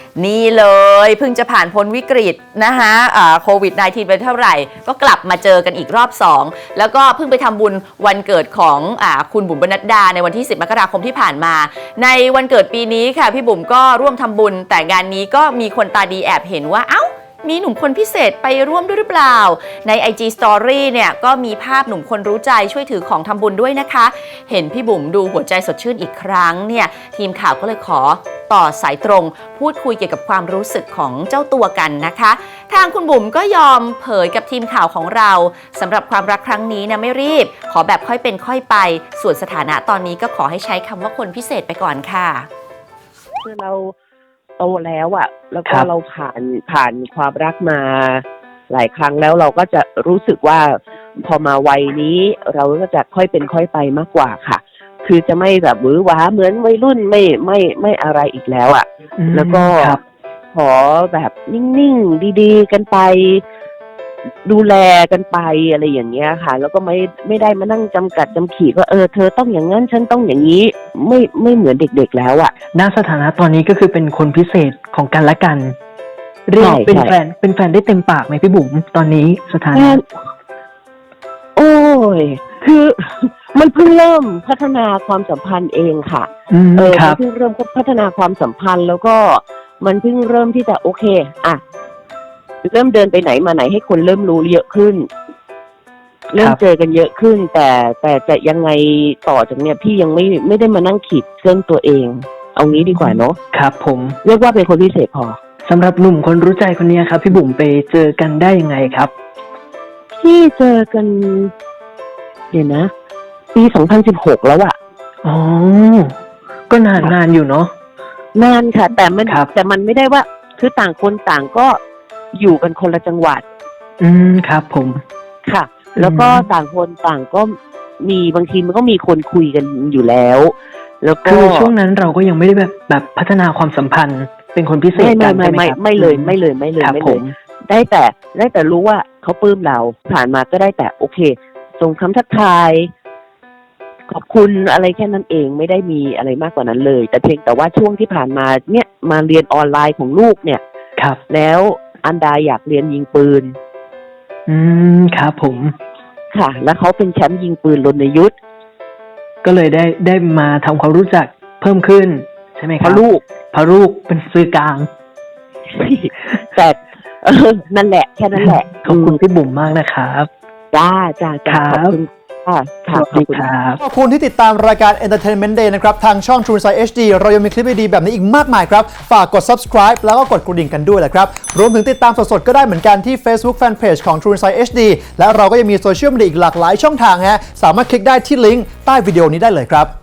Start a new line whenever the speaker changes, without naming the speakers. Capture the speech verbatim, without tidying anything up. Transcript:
นี่เลยเพิ่งจะผ่านพ้นวิกฤตนะคะโควิด สิบเก้า ไปเท่าไหร่ก็กลับมาเจอกันอีกรอบสองแล้วก็เพิ่งไปทำบุญวันเกิดของอคุณบุ๋มปนัดดาในวันที่สิบมกราคมที่ผ่านมาในวันเกิดปีนี้ค่ะพี่บุ๋มก็ร่วมทำบุญแต่งานนี้ก็มีคนตาดีแอบเห็นว่าเอ้ามีหนุ่มคนพิเศษไปร่วมด้วยหรือเปล่าใน ไอ จี Story เนี่ยก็มีภาพหนุ่มคนรู้ใจช่วยถือของทำบุญด้วยนะคะเห็นพี่บุ๋มดูหัวใจสดชื่นอีกครั้งเนี่ยทีมข่าวก็เลยขอต่อสายตรงพูดคุยเกี่ยวกับความรู้สึกของเจ้าตัวกันนะคะทางคุณบุ๋มก็ยอมเผยกับทีมข่าวของเราสำหรับความรักครั้งนี้นะไม่รีบขอแบบค่อยเป็นค่อยไปส่วนสถานะตอนนี้ก็ขอให้ใช้คำว่าคนพิเศษไปก่อนค่ะ
คือเราโตแล้วอะแล้วก็เราผ่านผ่านความรักมาหลายครั้งแล้วเราก็จะรู้สึกว่าพอมาวัยนี้เราก็จะค่อยเป็นค่อยไปมากกว่าค่ะคือจะไม่แบบหวือหวาเหมือนวัยรุ่นไม่ไม่ไม่อะไรอีกแล้วอะแล้วก็ขอแบบนิ่งๆดีๆกันไปดูแลกันไปอะไรอย่างเงี้ยค่ะแล้วก็ไม่ไม่ได้มานั่งจำกัดจำขีดว่าเออเธอต้องอย่างนั้นฉันต้องอย่างนี้ไม่ไม่เหมือนเด็กๆแล้วอะ
ณสถานะตอนนี้ก็คือเป็นคนพิเศษของกันและกันเรียกเป็นแฟนเป็นแฟนได้เต็มปากไหมพี่บุ๋มตอนนี้สถานะ
โอ้ยคือมันเพิ่งเริ่มพัฒนาความสัมพันธ์เองค่ะเออมันเพิ่งเริ่มพัฒนาความสัมพันธ์แล้วก็มันเพิ่งเริ่มที่จะโอเคอ่ะเริ่มเดินไปไหนมาไหนให้คนเริ่มรู้เยอะขึ้นเริ่มเจอกันเยอะขึ้นแต่แต่จะยังไงต่อจากเนี้ยพี่ยังไม่ไม่ได้มานั่งขีดเส้นตัวเองเอางี้ดีกว่าเนาะ
ครับผม
เรียกว่าเป็นคนพิเศษพอ
สำหรับหนุ่มคนรู้ใจคนนี้ครับพี่บุ๋มไปเจอกันได้ยังไงครับ
พี่เจอกันเดี๋ยวนะปีสองพันสิบหกแล้วอะ
อ๋อก็นานนานอยู่เนาะ
นานค่ะแต่มันแต่มันไม่ได้ว่าคือต่างคนต่างก็อยู่กันคนละจังหวัด
อืมครับผม
ค่ะแล้วก็ต่างคนต่างก็มีบางทีมันก็มีคนคุยกันอยู่แล้วแล้วก็
คือช่วงนั้นเราก็ยังไม่ได้แบบแบบพัฒนาความสัมพันธ์เป็นคนพิเศษกันใช่ไหมครับ
ไม่เลยไม่เลยไม่เลยไม่เลยได้แต่ได้แต่รู้ว่าเขาปลื้มเราผ่านมาก็ได้แต่โอเคส่งคำทักทายขอบคุณอะไรแค่นั้นเองไม่ได้มีอะไรมากกว่านั้นเลยแต่เพียงแต่ว่าช่วงที่ผ่านมาเนี่ยมาเรียนออนไลน์ของลูกเนี่ย
ครับ
แล้วอันดาอยากเรียนยิงปืน
อืมครับผม
ค่ะแล้วเขาเป็นแชมป์ยิงปืนรณยุทธ
ก็เลยได้ได้มาทำความรู้จักเพิ่มขึ้นใช่ไหมครับ
พอลูก
พอลูกเป็นสื่อกลาง
แต่นั่นแหละแค่นั้นแหละ
ขอบคุณพี่บุ๋มมากนะครับ
จ้าจ้าจ้าขอบคุณค่ะ
ขอบคุณครับ
ขอบคุณที่ติดตามรายการ Entertainment Day นะครับทางช่อง True Insight เอช ดี เรายังมีคลิปดีๆแบบนี้อีกมากมายครับฝากกด Subscribe แล้วก็กดกระดิ่งกันด้วยแหละครับรวมถึงติดตามสดๆก็ได้เหมือนกันที่ Facebook Fanpage ของ True Insight เอช ดี และเราก็ยังมีโซเชียลมีเดียอีกหลากหลายช่องทางฮะสามารถคลิกได้ที่ลิงก์ใต้วิดีโอนี้ได้เลยครับ